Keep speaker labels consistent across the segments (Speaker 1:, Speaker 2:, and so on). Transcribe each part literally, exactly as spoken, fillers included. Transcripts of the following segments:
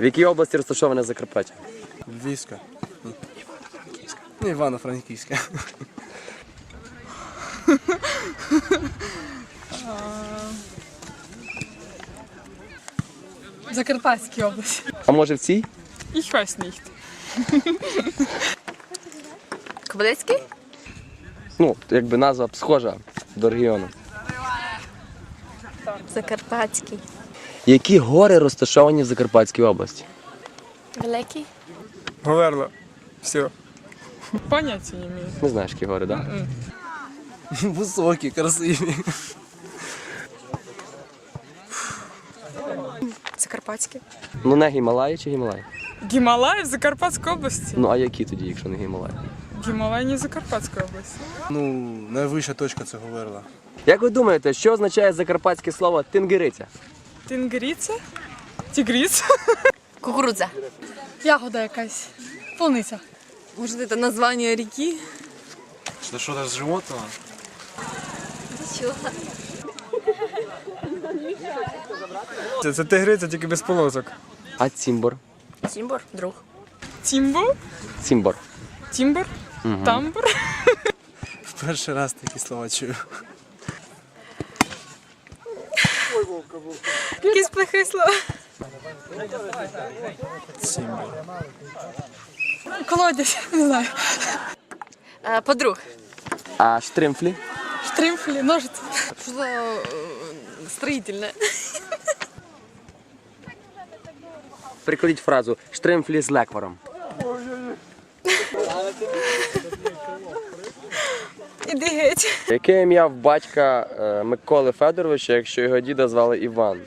Speaker 1: В якій області розташоване Закарпаття?
Speaker 2: Львівська. Ну, Івано-Франківська.
Speaker 3: В Закарпатській області.
Speaker 1: А може в цій?
Speaker 3: Ich weiß nicht.
Speaker 4: Кобилецький?
Speaker 1: Ну, якби назва схожа до регіону.
Speaker 4: Закарпатський.
Speaker 1: Які гори розташовані в Закарпатській області?
Speaker 4: Великий?
Speaker 2: Говерло. Все.
Speaker 3: Поняття не маю.
Speaker 1: Не знаєш, які гори, так? Да?
Speaker 2: Високі, красиві.
Speaker 4: Закарпатський.
Speaker 1: Ну не Гімалаї чи Гімалаї?
Speaker 3: Гімалаї в Закарпатській області.
Speaker 1: Ну а які тоді, якщо не Гімалаї?
Speaker 3: Гімалаї не в Закарпатській області.
Speaker 2: Ну, найвища точка це Говерла.
Speaker 1: Як ви думаєте, що означає закарпатське слово тингириця?
Speaker 3: Тингриця? Тігриця?
Speaker 4: Кукурудза.
Speaker 3: Ягода якась. Полуниця.
Speaker 4: Может, это название реки?
Speaker 2: Це що з животного?
Speaker 4: Чего?
Speaker 2: Це, це тигриця, тільки без полосок.
Speaker 1: А цімбор?
Speaker 4: Симбор? Друг.
Speaker 3: Тімбо?
Speaker 1: Цімбор.
Speaker 3: Тімбор? Тамбор?
Speaker 2: В перший раз такі слова чую.
Speaker 4: Якісь плохі слова.
Speaker 3: Колодязь, не знаю.
Speaker 4: Е, Подруг.
Speaker 1: А штримфлі?
Speaker 3: Штрімфлі, ножиці.
Speaker 4: Что-то э, строительное.
Speaker 1: Прикладіть фразу штримфлі з лекваром.
Speaker 4: Іди геть.
Speaker 1: Яке ім'я в батька е, Миколи Федоровича, якщо його діда звали Іван?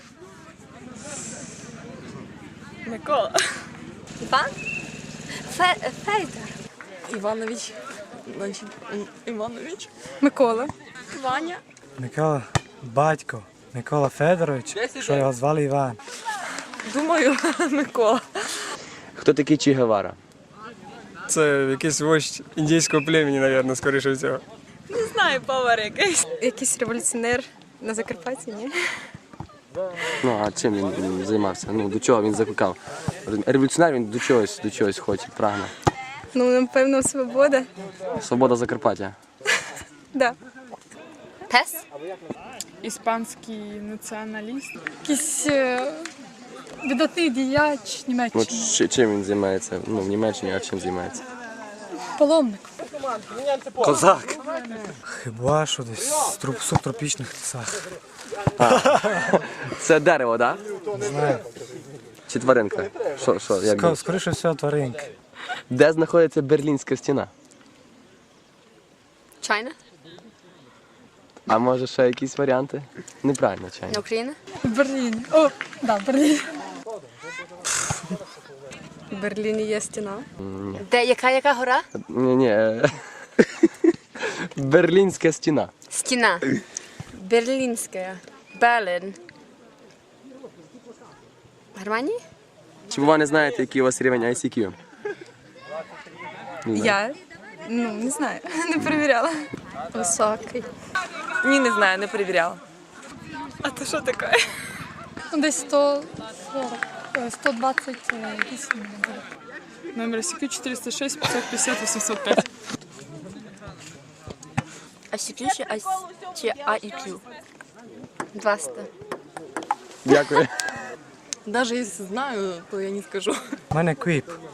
Speaker 3: Микола.
Speaker 4: Іван? Фе Федор. Іванович. Значить, Іванович.
Speaker 3: Микола.
Speaker 4: Ваня.
Speaker 5: Микола, батько, Микола Федорович, що його звали Іван.
Speaker 4: Думаю, Микола.
Speaker 1: Хто такий Чі Гевара?
Speaker 2: Це якийсь вождь індійського племені, мабуть, скоріше всього.
Speaker 4: Не знаю, повар якийсь. Якийсь революціонер на Закарпатті, ні?
Speaker 1: Ну, а чим він, він займався? Ну, до чого він закликав? Революціонер він до чогось, до чогось хоче, прагне.
Speaker 4: Ну, напевно, свобода.
Speaker 1: Свобода Закарпаття.
Speaker 4: Да. Пес?
Speaker 3: Іспанський націоналіст. Якийсь е, видатний діяч
Speaker 1: Ну,
Speaker 3: Німеччини.
Speaker 1: чи- чим він займається? Ну, в Німеччині, а чим займається?
Speaker 3: Паломник.
Speaker 1: Козак!
Speaker 5: Хіба що десь в труп- субтропічних лісах.
Speaker 1: Це дерево, так?
Speaker 5: Не знаю.
Speaker 1: Чи тваринка? Що, що, як
Speaker 5: Ска-
Speaker 1: думаєш?
Speaker 5: Скоріше всього тваринки.
Speaker 1: Де знаходиться Берлінська стіна?
Speaker 4: Чайна?
Speaker 1: А може ще якісь варіанти? Неправильно, чайно.
Speaker 4: На Україна?
Speaker 3: В Берліні. О, да, в Берліні.
Speaker 4: В Берліні є стіна. Де, яка, яка гора?
Speaker 1: Ні, ні. е, Берлінська стіна.
Speaker 4: Стіна. Берлінська. Берлін. Германії?
Speaker 1: Чи ви не знаєте, який у вас рівень ай сі кю?
Speaker 4: Я? Ну, не знаю. Не перевіряла. Високий. Ні, не знаю, не перевіряла.
Speaker 3: А то що таке? Ну, десь сто сорок, е, сто двадцять вісім. Номер Сі Кью чотириста шість п'ятсот п'ятдесят вісімсот п'ять.
Speaker 4: А Сі Кью чи А- чи А І Кью? двадцять.
Speaker 1: Дякую.
Speaker 4: Даже если знаю, то я не скажу.
Speaker 5: У мене квіп.